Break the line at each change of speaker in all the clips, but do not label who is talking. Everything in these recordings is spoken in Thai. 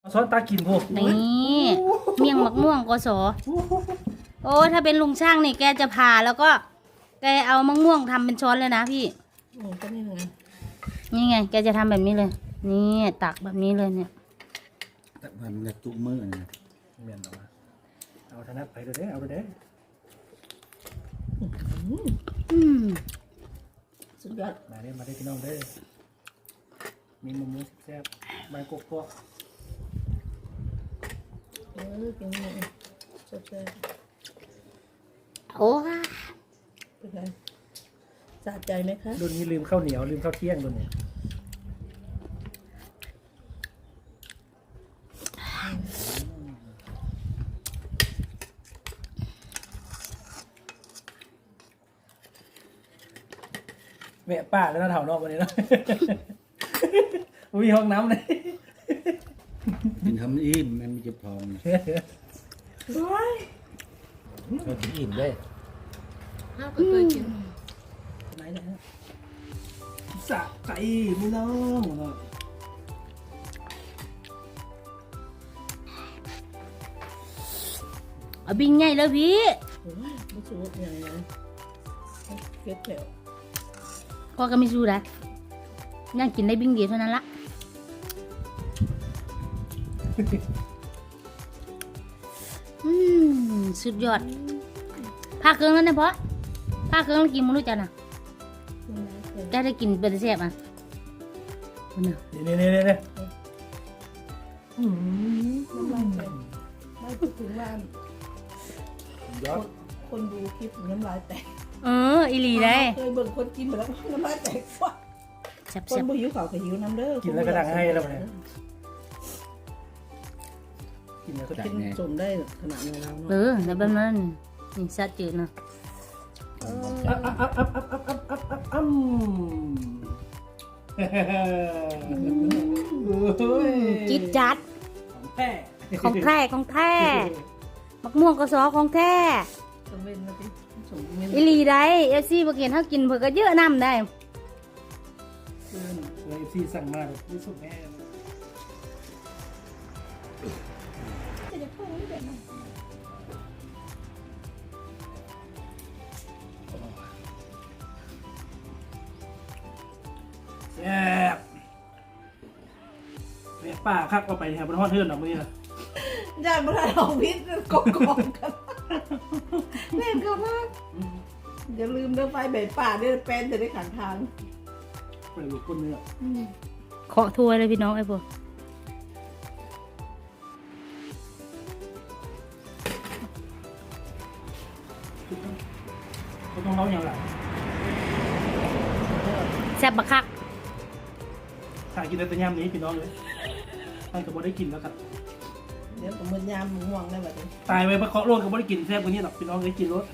ช้อนตากินพวก
นี่เมี่ยงมักม่วงกสโอ้ถ้าเป็นลุงช่างนี่แกจะผ่าแล้วก็แกเอามะม่วงทำเป็นช้อนเลยนะพี่
ก็นี่ไง
นี่ไงแกจะทำแบบนี้เลยนี่ตักแบบนี้เลยเนี่ย
ตักมันจะจุกมือนะ
เมียนเอาธนัดไปเลยเด้เอาไปเด้
สุดยอด
มาเด้มาได้พี่น้องเด้มีมุมมุ้งแซ่บใบกบพวก
กินเลยสดเลย
โอ้
เป็นไงสะใจไหมคะ
รุ่นนี้ลืมข้าวเหนียวลืมข้าวเที่ยงรุ่นนี้แม่ป้าแล้วนะแถวนอกวันนี้นะมีห้องน้ำเลย
กินทำอิ่มมันมีเจ็บท้องเรากินอิ่มได้
ข้าวก็เคยกินไหนนะ
สะใจไม่น้อง
เอาบิงใหญ่แล้วพี่
ไม่สูบอย่างไรเก็บแถว
พ่อก็ไม่สู้ได้ย่างกินได้บิงเดียวเท่านั้นละสุดยอดผ้าเครื่องแล้วนะพ่อผ้าเครื่องแล้วกินมึงรู้จักนะได้กินเป็นแซ่บอ่ะ
นี่
ไม่พูดถึงว่าคนดูคลิปน้ำลายแตก
อีหลีได้
เคยเบิ่งคนกินไปแล้วน้ำลายแตกว่ะคนบ่หิวข้าวก็หิวน้ำเด้อ
กินแล้วก็ดังให้แล้วเนี่ยกินแล้วก็
กินสมได้ขนาดนี้แล้ว
แล้วแบบนั้นนี่ซาจืดนะจิ๊ดจัดของแท้มักม่วงกระสอของแท้อีหลีได้เอฟซีบางเห็นเขากินเผื่อก็เยอะน้ำได้
เอฟซีสั่งมาแบบที่สุดแม่แซ่บแม่ป้าคักเอาไปแถวบนห้องเทือนหรอมื่อนี้นะ
ญาติบรรดาเราพิษกองกันเล่นกันมากอย่าลืมเดินไฟใบป่าเดินเป็นจะได้ขังทาง
ไปหลุดก้นเนื้อ
เคาะถ้วยเลยพี่น้องไอ้พวก
เขาต้องเล่าอย่างไร
แซ่บบักคัก
ถ้ากินแต่ยำนี้พี่น้องเลยท่านก็บ่ได้กินแล้วครับ
เดี๋ยวผมมันยำม่วงได้แบบนี้
ตายไปเพราะเคาะโลดก็บ่ได้กินแซ่บกว่านี้หรอกพี่น้องเลยกินรส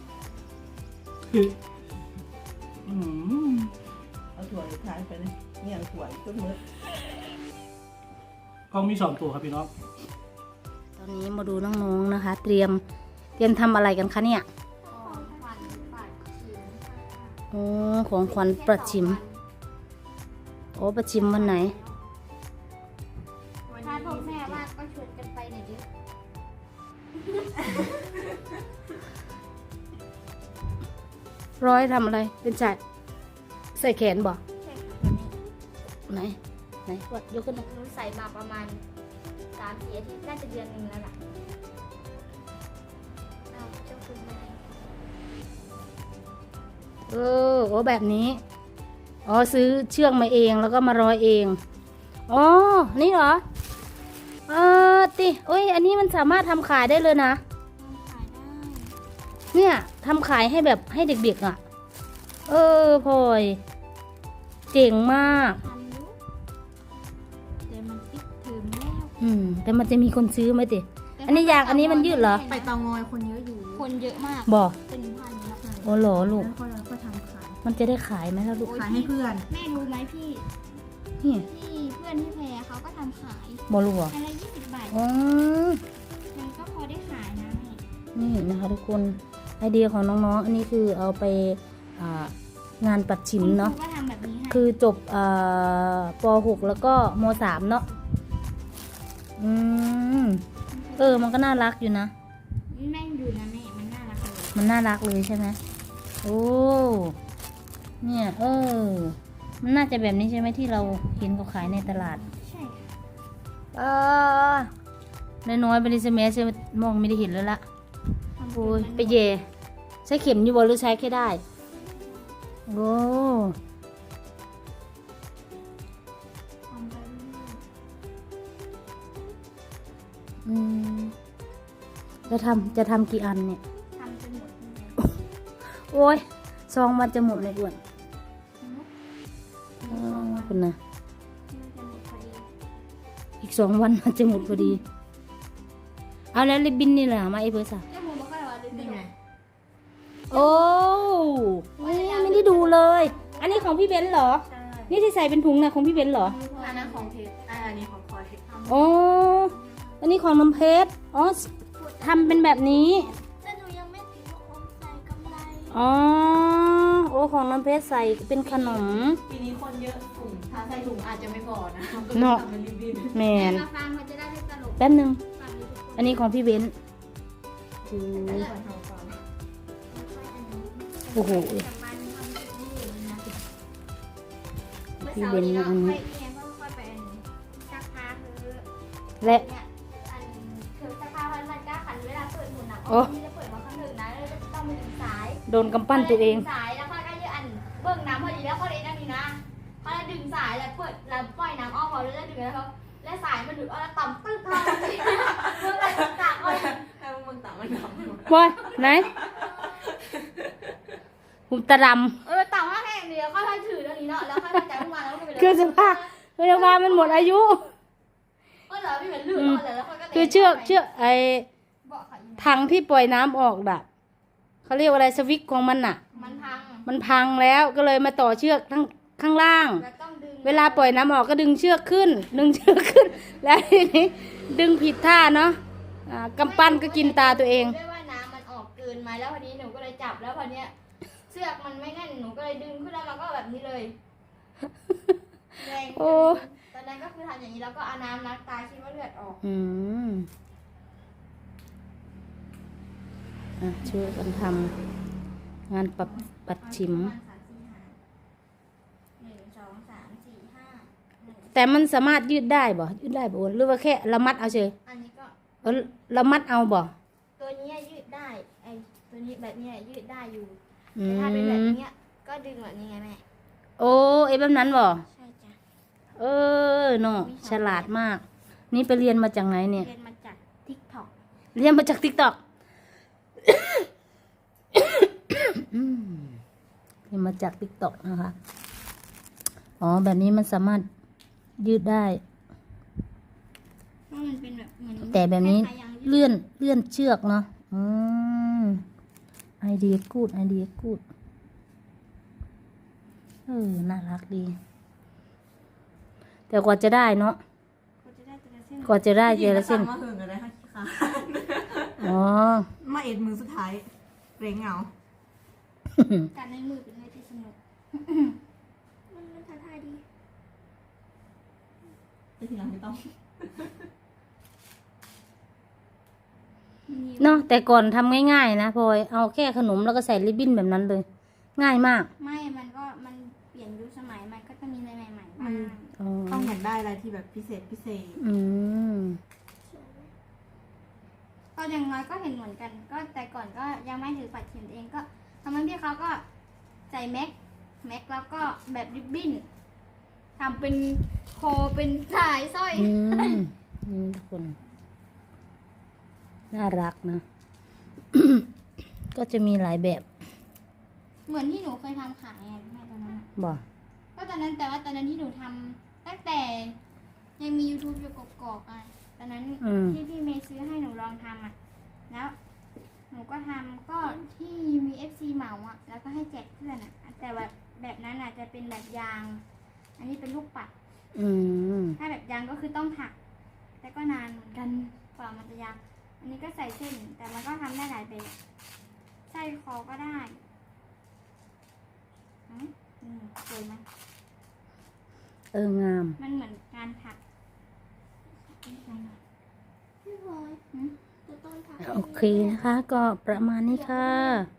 เอาถั่วทานไปเลยเนี่ยถั่วต้นมือ
กล้องมี2 ตัวครับพี่น้อง
ตอนนี้มาดูน้องๆนะคะเตรียมทำอะไรกันคะเนี่ยของขวัญประชิมประชิมวันไหน
ถ้าพ่อแม่ว่าก็ชวนกันไปหน่อยดิ
ร้อยทำอะไรเป็นจัดใส่แขนบ่ไหนวัดยกขึ้น
หนูใส่มาประมาณ3-4 อาทิตย์น่าจะเดือนนึงแล้วล่ะเจ้าคุณแม่
แบบนี้ซื้อเชือกมาเองแล้วก็มาร้อยเองนี่เหรออันนี้มันสามารถทำขายได้เลยนะ
ขายได้
เนี่ยทำขายให้แบบให้เด็กๆพลอยเจ๋งมาก
แต่มันปิดเทอมแล้ว
แต่มันจะมีคนซื้อไหมติอันนี้อันนี้มันยืดเหรอ
ไปเตางอยคนเยอะอยู่คนเยอะมาก
บอก
เป็นพันนับ
เลยหรอลูก
ก็ทำขาย
มันจะได้ขายไหมล่ะลูก
ขายให้เพื่อนแม่รู้ไหมพี่เพื่อนที่แพรเขาก็ทำขาย
บอกลูก
อันละ20 บาทมันก็พอได้ขายนะ
นี่นะคะทุกคนไอเดียของน้องๆอันนี้คือเอาไปงานปัดชิมเนาะคือจบป.6 แล้วก็ม.3 เนาะอืมมันก็น่ารักอยู่นะ
แม่งอยู่นะแม่ มันน่ารักเลย
มันน่ารักเลยใช่ไหมโอ้เนี่ยมันน่าจะแบบนี้ใช่ไหมที่เราเห็นเขาขายในตลาด
ใช่ค่ะ
น้อยๆไปเลยใช่ไหมใช่มองไม่ได้เห็นแล้วละ
ทำ
โอ้ย
มัน
ไปเย่ใช้เข็มอยู่บนหรือใช้แค่ได้โอ้
ทำไปเรื่อย
อืมจะทำกี่อันเนี่ย
ๆทำจนหมดเลย
โอ้ย2 วันจะหมดเลยอ้วนคุณนะ
มันจะหมดพอดี
อีก2 วันมันจะหมดพอดีเอาแล้วริบบิ้นนี่แหละมาไอ้เบอร์สาม
เจ้าหมูบอกว่าดึง
นี่ไง
โอ้ไม่ได้ดูเลย อันนี้ของพี่เบนซ์เหรอ
ใช่
นี่ที่ใส่เป็นถุงนะของพี่เบนซ์เหรอ
อันนั้นของเพชรอันนี้ของพลอย
อ๋ออันนี้ของน้ำเพชรอ๋อทำเป็นแบบนี้
แต่หนูยังไม่ติดลูกอมใส่กำไร
อ๋อโอ้ของน้ำเพชรใส่เป็นขนม
ปีนี้คนเยอะถุงถ้าใส่ถุงอาจจะไม่พอนะ
เนาะ
ทำเป็นริบบิ้น
แมน
มาฟังมันจะได้ไม่ตลก
แป๊บนึง
ฟังนี้ทุกคน
อันนี้ของพี่เบนซ์โอ้โห
จากบ้านทำแบบนี้อยู่นะ
พี่เบนซ์อันนี้
ค่อยเอียงค่อยๆไปอันนี้สักพักคือ
และ
เนี่ยอันคือสักพักมันก็ขันเวลาเปิดหมุนอ่ะ
โอ้
ที่จะเปิดมาข้างหนึ่งนะแล้วจะต้องไปถึงสาย
โดนกำปั้นตัวเอง
สายแล้วค่อยก็ยืดอันเบิ่งน้ำพอดีแล้วเขาเลยนั่นนี่นะเขาเลยดึงสายแล้วเปิดแล้วปล่อยน้ำออกพอแล้วดึงแล้วเขาและสายมันหลุดออกแล้วต่ำตึ้งทางเมื่อไรตากเลย
ให้มึงต่างมันทำ
บอยไหนผมตะด
ต่ำมากแค่เดียวค่อยๆถือตรงนี้เนาะแล้วค่อยๆจับขึ้นมาแล้วก็ไปเลย
ำคือสภาพมันหมดอายุ
ก็เหลือพี่เหมือนลื่นออกแล้วค่อยก็
คือเชือกไอ้
บอกค่ะอีก
ถังที่ปล่อยน้ำออกแบบเขาเรียกว่าอะไรสวิตช์ของมันน่ะ
มันพัง
มันพังแล้วก็เลยมาต่อเชือกทั้งข้างล่าง
แล้วต้องดึง
เวลาปล่อยน้ำออกก็ดึงเชือกขึ้น แล้วทีนี้ดึงผิดท่าเนาะกำปั้นก็กินตาตัวเอง
ด้วยว่าน้ำมันออกเกินไหมแล้วพอดีหนูก็เลยจับแล้วพอเนี้ยเชือกมันไม่แน่นหนูก็เลยดึงขึ้นแล้วมันก็แบบนี้เลยแรง
โอ้
ตอนนั้นก็คือทำอย่างนี้แล้วก็เอาน้ำล้างตาคิดว่าเลือดออก
อืมช่วยกันทำงานปัดฉิม
ประาณ3 4 5 1 2 3 4 5
แต่มันสามารถยืดได้บ่ยืดได้บ่หรือว่าแค่เรามัดเอาเฉย
อันนี้ก็
เรามัดเอาบ่
ตัวนี้ยืดได้ไอตัวนี้แบบนี้ยืดได้อยู่
อื
แต่ถ้าเป็นแบบ
ม
นี้ก็ดึงแบบนี้ไงแม่
โอ้ไอ้แบบนั้นบ่
ใช่จ้ะ
เนาะฉลาดมาก นี่ไปเรียนมาจากไหนเนี่ย
เรียนมาจาก TikTok
เรียนมาจาก TikTok เรียนมาจาก TikTok นะคะ อ๋อ แบบนี้มันสามารถยืดได้
เพราะมันเป็นแบบเหมือน
แต่แบบนี้
คล้ายๆยางยืด
เลื่อนเชือกเนาะไอเดียกูดน่ารักดี แต่กว่าจะได้เนาะ
ก็จะได้แต่ละเส้น
กว่าจะได้เจละเส้น
มาหึงกันเลยค่ะ
อ๋อ
มาเอ็ดมือสุดท้ายเร่งเหงา
การในมือเป็นอะไรที่สนุก มันท้าทายดี
แต่ทีหลังไม่ต้อง
เนาะแต่ก่อนทำง่ายๆนะพลอยเอาแค่ขนมแล้วก็ใส่ริบบิ้นแบบนั้นเลย ง่ายมาก
ไม่มันเปลี่ยนยุคสมัยมันก็จะมีอะไรใหม่ๆบ้าง
อ๋อ
ต้องอยากได้อะไรที่แบบพิเศษ
อืม
ก็อย่างน้อยก็เห็นเหมือนกัน ก็แต่ก่อนก็ยังไม่ถือปัดเข็มเองก็ทำให้พี่เขาก็ใส่แม็กแล้วก็แบบริบบิ้นทำเป็นโคเป็นสายสร้อย
ทุกคน น่ารักนะ ก็จะมีหลายแบบ
เหมือนที่หนูเคยทำขายไงแม่ตอนนั้นอะ
บ่
ก็ตอนนั้นแต่ว่าตอนนั้นที่หนูทำตั้งแต่ยังมี YouTube อยู่กอกๆอ่ะตอนนั้นที่พี่เมย์ซื้อให้หนูลองทำอ่ะแล้วหนูก็ทำก็ที่มี FC เหมาอ่ะแล้วก็ให้แจกเพื่อนอ่ะแต่แบบนั้นอ่ะจะเป็นแบบยาง อันนี้เป็นลูกปัด
อืม
ถ้าแบบยางก็คือต้องถัก แต่ก็นานเหมือนกันกว่ามันจะยางอันนี้ก็ใส่เส้นแต่มันก็ทำได้หลายแบบใส่คอก็ได้สวยไหม
งาม
มันเหมือนการถักต้นผัก
โอเคนะคะ ก็ประมาณนี้ค่ะ